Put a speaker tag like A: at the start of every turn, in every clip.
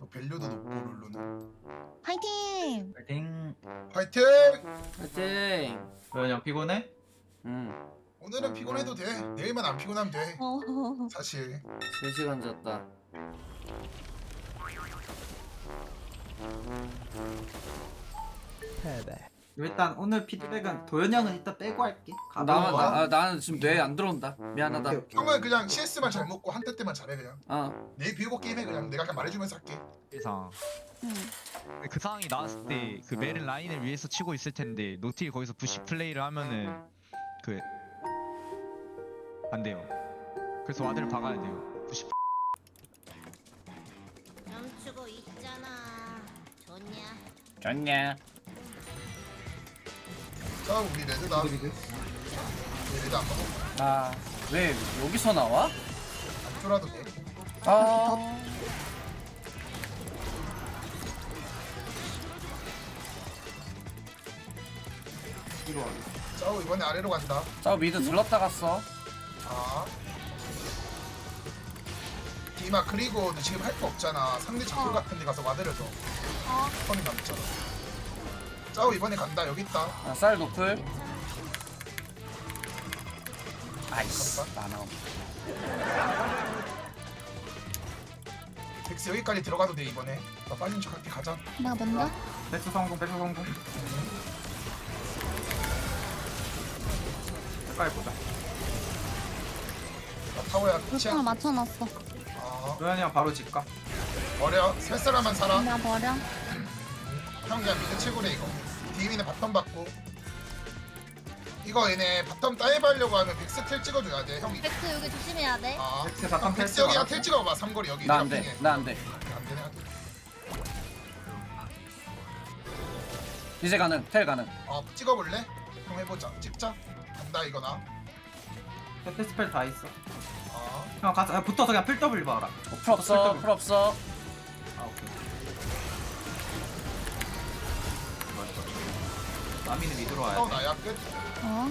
A: 밸류도 높고 룰루는.
B: 파이팅!
C: 파이팅.
A: 화이팅!
D: 파이팅.
C: 그냥 피곤해?
A: 오늘은 피곤해도 돼. 내일만 안 피곤하면 돼.
B: 어.
A: 사실.
D: 3시간 잤다.
C: 일단 오늘 피드백은 도현 형은 이따 빼고 할게.
D: 나는 지금 뇌에 안 들어온다. 미안하다.
C: 오케이, 오케이.
A: 형은 그냥 CS만 잘 먹고 한때 때만 잘해 그냥.
D: 어.
A: 내일 비우고 게임해 그냥. 내가 그냥 말해주면서 할게.
E: 이상
B: 응.
E: 그 상황이 나왔을 때 그 메른 라인을 위해서 치고 있을 텐데 노틸 거기서 부시 플레이를 하면은 그 안 돼요. 그래서 와드를 박아야 돼요. 부시
F: 멈추고 있잖아. 좋냐?
D: 좋냐?
A: 자 우리 레드다. 우리 레드 안 먹어.
D: 아, 왜 여기서 나와?
A: 안 쫄아도 돼.
D: 아.
A: 자 이번에 아래로 간다.
D: 저 미드 들렀다 갔어.
A: 아. 디마 그리고 너 지금 할 거 없잖아. 상대 작물 같은 데 가서 와드려줘. 턴이 남잖아. 짜오 이번에 간다. 여기 있다.
D: 아, 쌀 노플. 아이씨, 나나.
A: 덱스 여기까지 들어가도 돼 이번에. 나 빠진 척 할게. 가자.
B: 내가 먼저?
C: 백수 성공, 백수 성공. 색깔 보자.
A: 나 타워야 끝이야.
B: 루팡을 맞춰놨어.
A: 아.
C: 도현이 형 바로 집 가.
A: 버려. 살 사람만 살아.
B: 나 버려.
A: 형 그냥 미드 치고래 이거. 디미는 바텀 받고. 이거 얘네 바텀 다이브 하려고 하면 백스 텔 찍어줘야 돼. 형.
F: 백스 여기 조심해야 돼.
A: 아.
C: 백스 바텀
A: 백스
C: 텔
A: 여기가
C: 찍어라.
A: 텔 찍어봐. 삼거리 여기.
D: 나 안
A: 내가
D: 돼.
A: 핑해.
D: 나 안 돼.
A: 안 되네. 안 돼.
D: 이제 가능. 텔 가능.
A: 찍어볼래? 형 해보자. 찍자. 간다 이거나.
C: 페트 스펠 다 있어.
A: 아.
C: 형 가자. 야, 붙어서 그냥 필 W 봐라.
D: 풀 없어. 풀 없어.
C: 아 오케이. 마미는 미드로 와야 돼.
A: 나야 끝.
B: 어?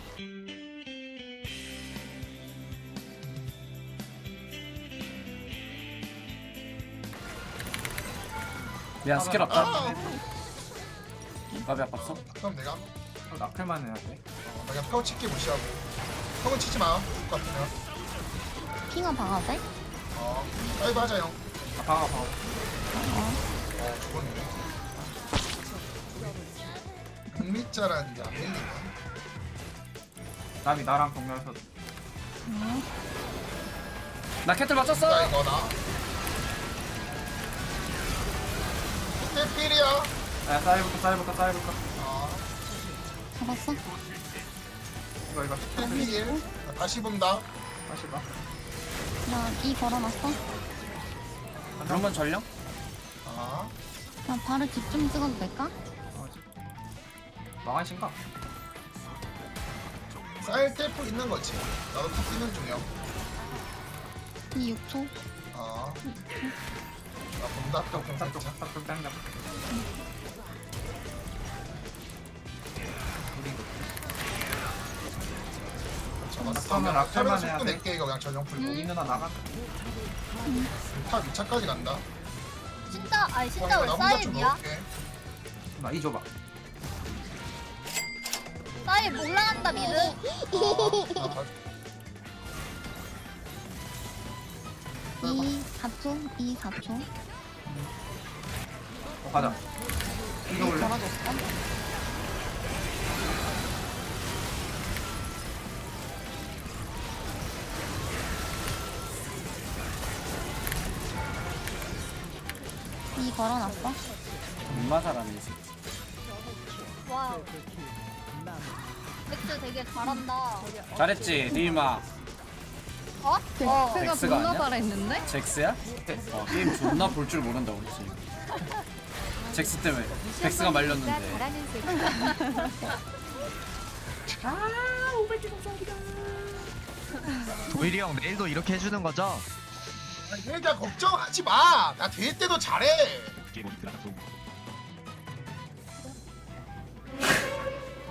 D: 미안, 스킬 없다.
A: 아.
D: 밥이 아팠어.
A: 그럼 내가
C: 나클만 해야 돼.
A: 나 그냥 타워 칠게 무시하고. 형은 치지 마. 죽을 것 같으면.
B: 핑어 박아도 돼?
A: 다이브 하자 형.
C: 아 방아 방아.
A: 죽었네. 국립자라는 게 안 밀리네.
C: 남이 나랑 동료에서
D: 나 캐틀
A: 나
D: 맞췄어.
A: 이거 나. 필이야.
C: 야 쌀부터.
B: 잡았어?
C: 이거
A: 필. 나 다시 본다.
C: 다시 봐.
B: 나 이 걸어놨어?
D: 그러면 전령?
A: 아.
B: 나 바로 집 좀 찍어도 될까?
C: 망한 신가?
A: 쌀 텔프 있는 거지. 나도 탑 뛰는 중이야.
B: 이 6초?
A: 아. 나 본다. 또 공사 쪽.
C: 딱 당겨.
A: 잡았어.
C: 그러면 악탈만
A: 타면
C: 해야
A: 속도
C: 돼.
A: 낼게 이거 그냥 전용 풀고.
C: 이 누나 나가.
A: 탑 2차까지 간다.
F: 신다, 아니 신다
A: 나
F: 왜
A: 혼자 좀
F: 사입이야?
A: 넣을게.
C: 나이 줘봐.
F: 사입 올라간다 미드.
B: 이 4초? 이 4초?
C: 가자. 이거 올래.
B: 걸어줬어? 이 걸어놨어?
D: 얼마 잘하네, 이 새끼.
F: 와. 백스 되게 잘한다.
D: 잘했지, 리마.
F: 어?
D: 덱스가
B: 존나
D: 아니야?
B: 잘했는데?
D: 잭스야? 게임 존나 볼 줄 모른다, 그렇지. 잭스 때문에. 덱스가 말렸는데.
E: 도일이 형 내일도 이렇게 해주는 거죠?
A: 일단 걱정하지 마. 나 될 때도 잘해.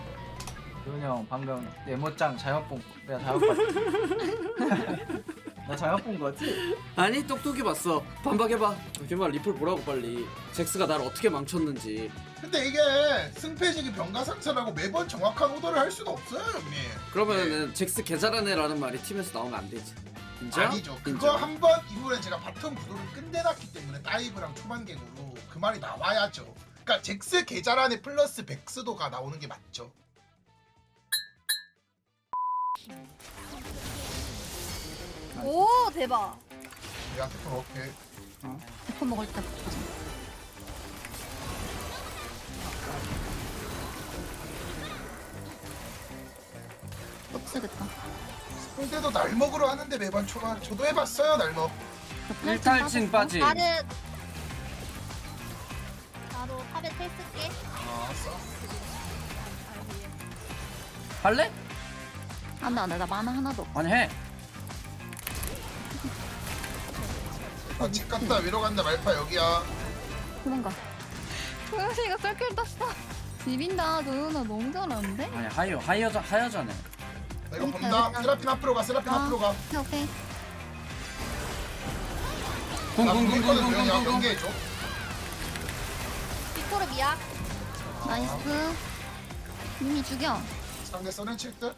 C: 도현이 형 방금 네모짱 잘못 본 내가 잘못 봤지. 나 잘못 본 거지?
G: 아니 똑똑히 봤어. 반박해봐. 걔말 리플 보라고 빨리. 잭스가 날 어떻게 망쳤는지.
A: 근데 이게 승패지기 병가상처라고 매번 정확한 오더를 할 수는 없어요 형님.
G: 그러면은 잭스 개잘하네라는 말이 팀에서 나오면 안 되지. 인정?
A: 아니죠. 그거
G: 인정.
A: 한 번 이후에 제가 바텀 구도를 끝내놨기 때문에 다이브랑 초반갱으로 그 말이 나와야죠. 그러니까 잭스 계좌란에 플러스 백스도가 나오는 게 맞죠.
F: 오 대박.
A: 내가 태풍 오케이.
B: 대포 먹을 때 보자. 못 쓰겠다.
A: 상대도 날 먹으러 하는데 매번 초반 저도 해봤어요 날 먹.
G: 1탈칭 빠지.
F: 나는 나도 탑에 텔 쓸게.
A: 알았어.
G: 할래?
B: 안돼 안돼 나 만화 하나도 없어.
G: 아니 해.
A: 집 갔다 위로 간다 말파 여기야.
B: 도망가. 도영이가 썰길 땄어. 비빈다 도영아 너무 잘하는데?
G: 아니 하여자네.
A: 나 이거 본다. 세라핀 앞으로 가. 세라핀 앞으로 가.
B: 오케이 오케이.
A: 나 보겠거든 도영이
G: 쿵쿵쿵쿵쿵쿵쿵.
A: 경계해줘.
F: 빅토르 미야.
B: 나이스. 이미 죽여.
A: 상대 써낸 칠 듯.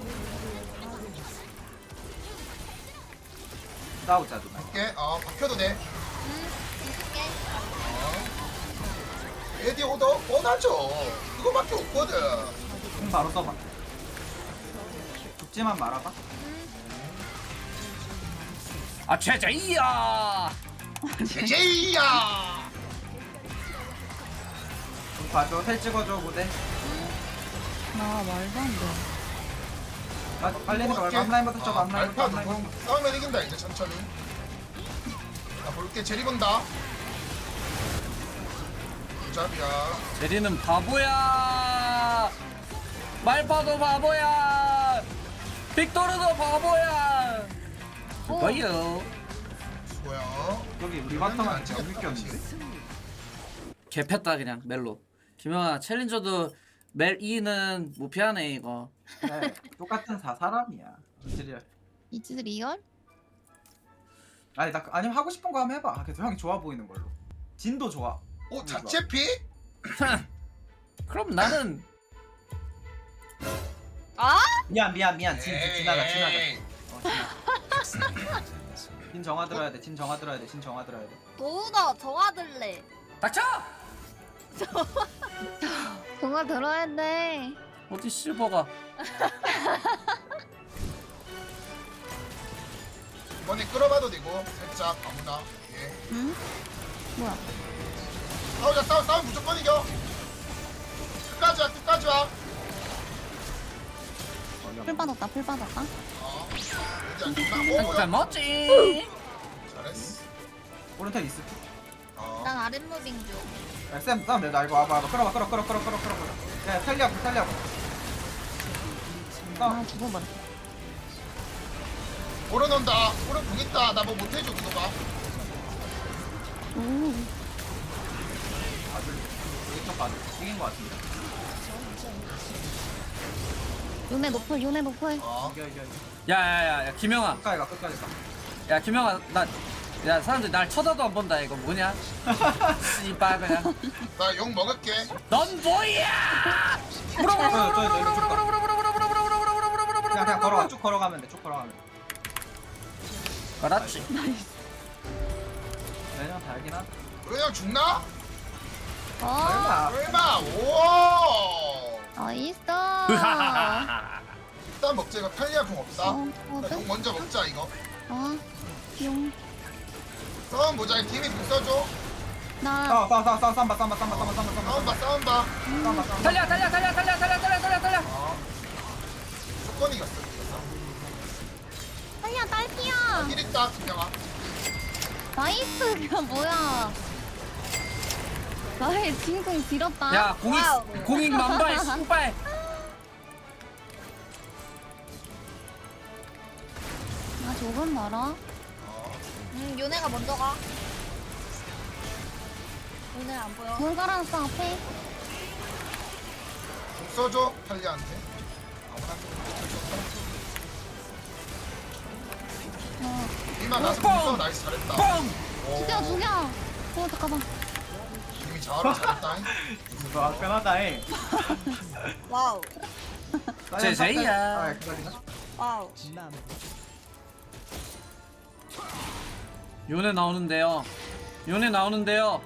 C: 싸우자 누나.
A: 할게. 박혀도 돼.
F: 쓸게.
A: 에디 오더 뻔하죠. 그거밖에 없거든.
C: 공 바로 써봐. 죽지만 말아봐.
G: 아 최저이야.
A: 제제이야.
C: 공 봐줘. 텔 찍어줘 무대.
B: 나 말도 안 돼.
C: 빨리 해서 말고 앞라인부터 쳐. 앞라인부터.
A: 알파 누구 싸우면 이긴다 이제 천천히. 나 볼게. 제리 본다. 잡이야.
G: 제리는 바보야. 말파도 바보야. 빅토르도 바보야. 그거요.
A: 수고야.
C: 여기 우리 바텀은 지금 느꼈는데.
G: 개패다 그냥 멜로. 김영아 챌린저도 멜 2는 무피하네 이거.
C: 그래. 똑같은 사람이야. 이즈리얼.
B: 이즈 리얼?
C: 아니 나 아니면 하고 싶은 거 한번 해봐. 그래서 형이 좋아 보이는 걸로. 진도 좋아.
A: 자체 피?
G: 그럼 나는
F: 아?
C: 미안. 진 지나가.
A: 에이.
C: 지나가. 진 정화 들어야 돼. 진 정화 들어야 돼.
F: 도우너 정화들래.
G: 닥쳐.
B: 동화 들어야 돼.
G: 어디 실버가.
A: 이번에 끌어봐도 되고 살짝 아무나. 예.
B: 응? 뭐야?
A: 싸움 무조건 이겨. 끝까지 와.
B: 풀 받았다 풀 받았다.
A: 왠지 안 좋나? 오,
G: 잘 먹지.
A: 잘했어.
C: 오른쪽 있어.
F: 난 아랫무빙 중.
C: 야, 쌤 싸움 내자. 이거 와봐. 끌어. 야, 살려고.
B: 아 죽어버려.
A: 오른 온다. 오른 궁 있다. 나 뭐 못해줘 그거 봐.
B: 오.
C: 여기 쪽 봐도 이긴 거 같은데.
B: 요네 노플 요네 노플.
C: 이겨.
G: 야야야 김영아.
C: 끝까지 가.
G: 야 김영아 야 사람들이 날 쳐다도 안 본다 이거 뭐냐? 씨발 그냥.
A: 나 욕 먹을게.
G: 넌 뭐야?
C: 그냥 걸어가. 쭉 걸어가면 돼.
G: 그렇지.
C: 내년 달긴 하다.
A: 그냥 죽나?
B: 어.
A: 설마. 오.
B: 나이스.
A: 일단 먹자. 이거 탈리아 궁 없다. 나
B: 어.
A: 욕 먼저 먹자 이거.
B: 용.
A: 싸움 보자. 팀이 궁 써줘.
B: 나
C: 싸움 봐.
A: 싸움 봐.
G: 달려.
A: 무조건 이겼어.
B: 아니야 딸피야.
A: 일 있다 김영아.
B: 나이스 그냥 뭐야. 나의 진공 길었다.
G: 야
F: 와우.
G: 공익 만발 씨발.
B: 나 조금 멀어.
F: 요네가 먼저 가. 요네 안 보여.
B: 뭘 깔아놨어 앞에.
A: 궁 써줘 탈리아한테. 아무나. 이마 나서 공성 나이스 잘했다. 오,
B: 죽여. 잠깐만.
A: 이미 자아로 잘했다.
C: 이거 화끈하다 해.
F: 와우.
G: 제이야.
C: 아 기다리나?
F: 와우.
G: 요네 나오는데요. 요네 나오는데요.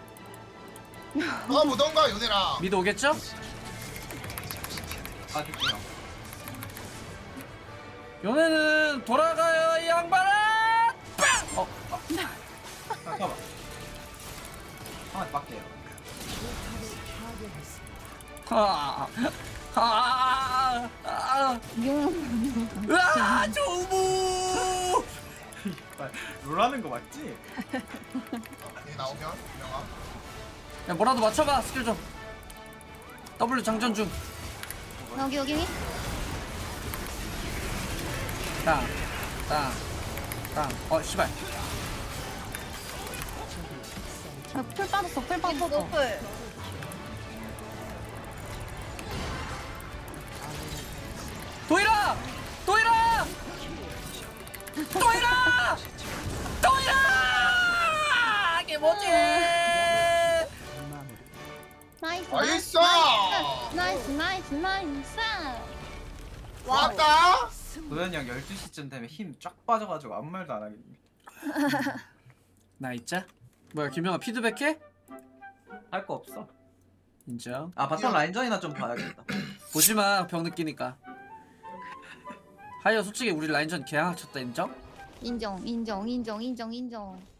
A: 무던가 요네라.
G: 미드 오겠죠?
C: 아 됐구나.
G: 요네는 돌아가요 이 양반아. 빵!
C: 잠깐만. 한번 맞게요.
B: 용.
G: 으아 조무.
C: 롤하는 거 맞지?
A: 얘 나오면 유명아.
G: 야 뭐라도 맞춰봐 스킬 좀. W 장전 중.
B: 여기.
G: 땅. 씨발.
B: 풀 빠졌어. 풀 빠졌어.
F: 노플.
G: 도일아! 이게 뭐지?
B: 나이스. 나이스.
F: 와우.
A: 왔다.
C: 도현이 형 12시쯤 되면 힘 쫙 빠져가지고 아무 말도 안 하겠네.
G: 나 있자. 뭐야 김영아 피드백해?
C: 할 거 없어.
G: 인정.
C: 아 바텀 라인전이나 좀 봐야겠다.
G: 보지마 병 느끼니까. 하여 솔직히 우리 라인전 개항 쳤다 인정?
B: 인정.